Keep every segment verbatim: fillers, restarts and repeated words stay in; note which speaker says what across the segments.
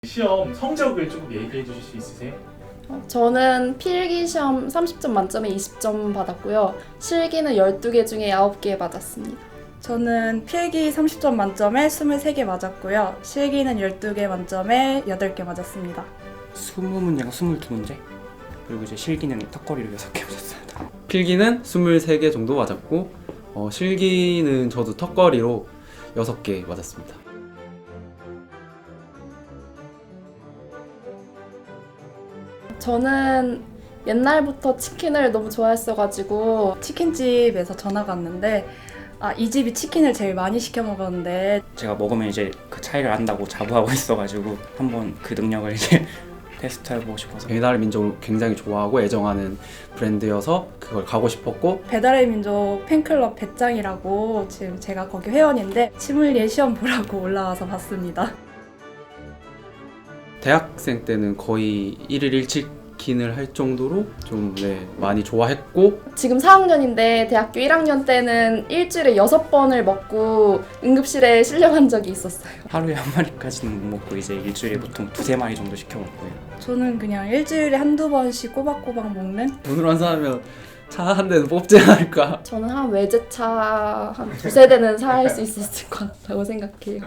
Speaker 1: 시험 성적을 조금 얘기해 주실 수 있으세요?
Speaker 2: 어, 저는 필기 시험 삼십 점 만점에 이십 점 받았고요. 실기는 열두 개 중에 아홉 개 맞았습니다.
Speaker 3: 저는 필기 삼십 점 만점에 이십삼 개 맞았고요. 실기는 열두 개 만점에 여덟 개 맞았습니다.
Speaker 4: 이십 문제가 이십이 문제, 그리고 이제 실기는 턱걸이로 여섯 개 맞았습니다.
Speaker 5: 필기는 이십삼 개 정도 맞았고 어, 실기는 저도 턱걸이로 여섯 개 맞았습니다.
Speaker 2: 저는 옛날부터 치킨을 너무 좋아했어가지고
Speaker 3: 치킨집에서 전화가 왔는데 아, 이 집이 치킨을 제일 많이 시켜 먹었는데
Speaker 4: 제가 먹으면 이제 그 차이를 안다고 자부하고 있어가지고 한번 그 능력을 이제 테스트해보고 싶어서.
Speaker 5: 배달의 민족을 굉장히 좋아하고 애정하는 브랜드여서 그걸 가고 싶었고,
Speaker 3: 배달의 민족 팬클럽 배짱이라고 지금 제가 거기 회원인데 치믈리에 시험 보라고 올라와서 봤습니다.
Speaker 5: 대학생 때는 거의 일일 일 치킨을 할 정도로 좀 네, 많이 좋아했고,
Speaker 2: 지금 사 학년인데 대학교 일 학년 때는 일주일에 여섯 번을 먹고 응급실에 실려간 적이 있었어요.
Speaker 4: 하루에 한 마리까지는 못 먹고 이제 일주일에 보통 두세 마리 정도 시켜 먹고요.
Speaker 3: 저는 그냥 일주일에 한두 번씩 꼬박꼬박 먹는
Speaker 5: 돈으로 환산하면 차 한 대는 뽑지 않을까.
Speaker 2: 저는 한 외제차 한 두세 대는 살 수 있었을 것 같다고 생각해요.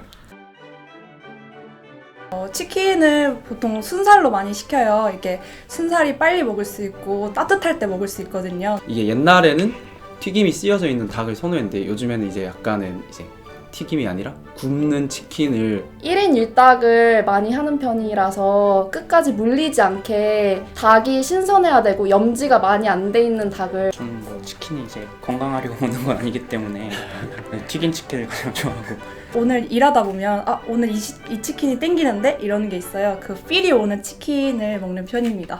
Speaker 3: 어, 치킨을 보통 순살로 많이 시켜요. 이게 순살이 빨리 먹을 수 있고 따뜻할 때 먹을 수 있거든요.
Speaker 5: 이게 옛날에는 튀김이 쓰여져 있는 닭을 선호했는데 요즘에는 이제 약간은 이제 튀김이 아니라 굽는 치킨을
Speaker 2: 일 인 일 닭을 많이 하는 편이라서 끝까지 물리지 않게 닭이 신선해야 되고 염지가 많이 안 돼 있는 닭을.
Speaker 4: 저는 뭐 치킨이 이제 건강하려고 먹는 건 아니기 때문에 튀긴 치킨을 가장 좋아하고.
Speaker 3: 오늘 일하다 보면 아 오늘 이, 시, 이 치킨이 땡기는데 이러는 게 있어요. 그 필이 오는 치킨을 먹는 편입니다.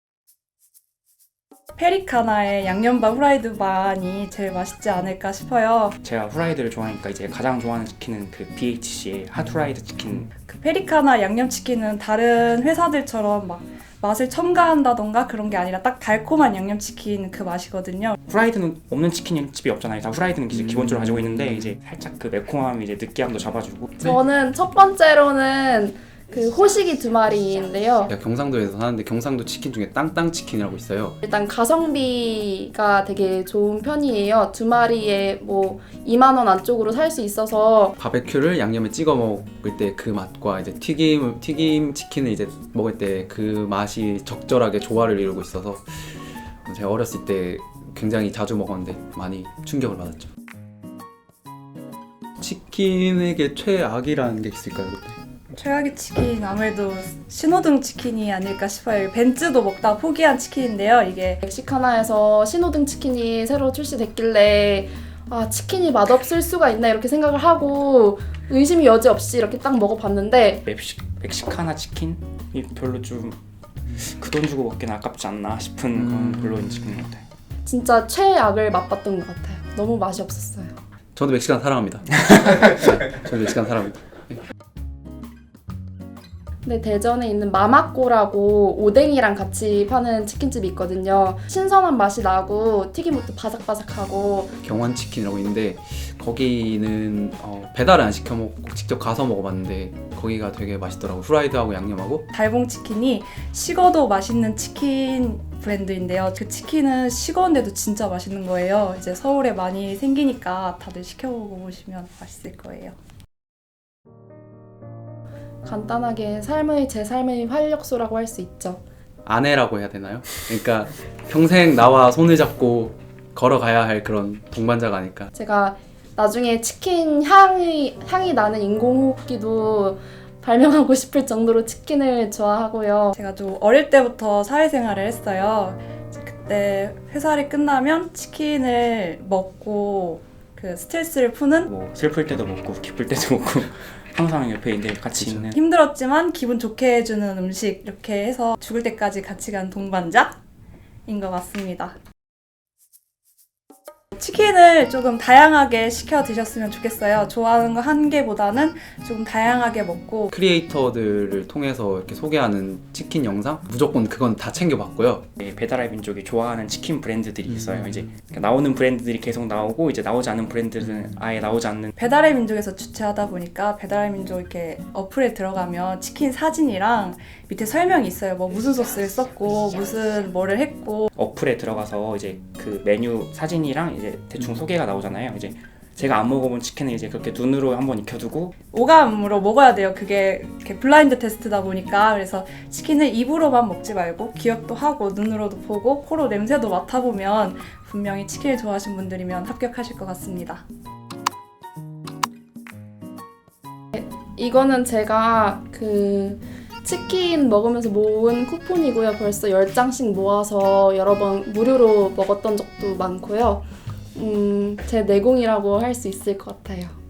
Speaker 3: 페리카나의 양념반 후라이드 반이 제일 맛있지 않을까 싶어요.
Speaker 4: 제가 후라이드를 좋아하니까 이제 가장 좋아하는 치킨은 그 비에이치씨의 핫후라이드 치킨.
Speaker 3: 그 페리카나 양념치킨은 다른 회사들처럼 막 맛을 첨가한다던가 그런 게 아니라 딱 달콤한 양념치킨 그 맛이거든요.
Speaker 4: 후라이드는 없는 치킨 집이 없잖아요. 다 후라이드는 이제
Speaker 5: 음.
Speaker 4: 기본적으로 가지고 있는데 이제 살짝 그 매콤함이 이제 느끼함도 잡아주고.
Speaker 2: 저는 첫 번째로는 그 호식이 두 마리인데요.
Speaker 5: 제가 경상도에서 사는데 경상도 치킨 중에 땅땅 치킨이라고 있어요.
Speaker 2: 일단 가성비가 되게 좋은 편이에요. 두 마리에 뭐 이만 원 안쪽으로 살 수 있어서.
Speaker 5: 바베큐를 양념에 찍어 먹을 때 그 맛과 이제 튀김 튀김 치킨을 이제 먹을 때 그 맛이 적절하게 조화를 이루고 있어서 제가 어렸을 때 굉장히 자주 먹었는데 많이 충격을 받았죠. 치킨에게 최악이라는 게 있을까요, 그때?
Speaker 3: 최악의 치킨 아무래도 신호등 치킨이 아닐까 싶어요. 벤츠도 먹다 포기한 치킨인데요. 이게
Speaker 2: 멕시카나에서 신호등 치킨이 새로 출시됐길래 아 치킨이 맛없을 수가 있나 이렇게 생각을 하고 의심이 여지없이 이렇게 딱 먹어봤는데
Speaker 4: 멕시, 멕시카나 치킨이 별로 좀 그 돈 주고 먹기는 아깝지 않나 싶은
Speaker 5: 음.
Speaker 4: 그런 별로인 치킨 같아요.
Speaker 2: 진짜 최악을 맛봤던 것 같아요. 너무 맛이 없었어요.
Speaker 5: 저도 멕시칸 사랑합니다. 네, 저도 멕시칸 사랑합니다.
Speaker 2: 근데 대전에 있는 마마꼬라고 오뎅이랑 같이 파는 치킨집이 있거든요. 신선한 맛이 나고 튀김부터 바삭바삭하고.
Speaker 5: 경환 치킨이라고 있는데 거기는 어, 배달을 안 시켜 먹고 직접 가서 먹어봤는데 거기가 되게 맛있더라고. 후라이드하고 양념하고.
Speaker 3: 달봉 치킨이 식어도 맛있는 치킨 브랜드인데요. 그 치킨은 식었는데도 진짜 맛있는 거예요. 이제 서울에 많이 생기니까 다들 시켜보고 보시면 맛있을 거예요.
Speaker 2: 간단하게 삶의 제 삶의 활력소라고 할 수 있죠.
Speaker 5: 아내라고 해야 되나요? 그러니까 평생 나와 손을 잡고 걸어가야 할 그런 동반자가 아닐까.
Speaker 2: 제가 나중에 치킨 향이 향이 나는 인공호흡기도 발명하고 싶을 정도로 치킨을 좋아하고요.
Speaker 3: 제가 좀 어릴 때부터 사회생활을 했어요. 그때 회사를 끝나면 치킨을 먹고 그 스트레스를 푸는
Speaker 4: 뭐 슬플 때도 먹고 기쁠 때도 먹고 항상 옆에 이제 같이
Speaker 5: 그쵸.
Speaker 4: 있는.
Speaker 3: 힘들었지만 기분 좋게 해주는 음식 이렇게 해서 죽을 때까지 같이 간 동반자인 것 같습니다. 치킨을 조금 다양하게 시켜 드셨으면 좋겠어요. 좋아하는 거 한 개보다는 조금 다양하게 먹고
Speaker 5: 크리에이터들을 통해서 이렇게 소개하는 치킨 영상 무조건 그건 다 챙겨봤고요.
Speaker 4: 네, 배달의 민족이 좋아하는 치킨 브랜드들이 있어요.
Speaker 5: 음.
Speaker 4: 이제 나오는 브랜드들이 계속 나오고 이제 나오지 않는 브랜드들은 아예 나오지 않는.
Speaker 3: 배달의 민족에서 주최하다 보니까 배달의 민족 이렇게 어플에 들어가면 치킨 사진이랑 밑에 설명이 있어요. 뭐 무슨 소스를 썼고 무슨 뭐를 했고
Speaker 4: 어플에 들어가서 이제 그 메뉴 사진이랑 이제 대충 소개가 나오잖아요. 이제 제가 안 먹어본 치킨을 이제 그렇게 눈으로 한번 익혀두고
Speaker 3: 오감으로 먹어야 돼요. 그게 이렇게 블라인드 테스트다 보니까 그래서 치킨을 입으로만 먹지 말고 기억도 하고 눈으로도 보고 코로 냄새도 맡아보면 분명히 치킨을 좋아하시는 분들이면 합격하실 것 같습니다.
Speaker 2: 이거는 제가 그 치킨 먹으면서 모은 쿠폰이고요. 벌써 열 장씩 모아서 여러 번 무료로 먹었던 적도 많고요. 음, 제 내공이라고 할 수 있을 것 같아요.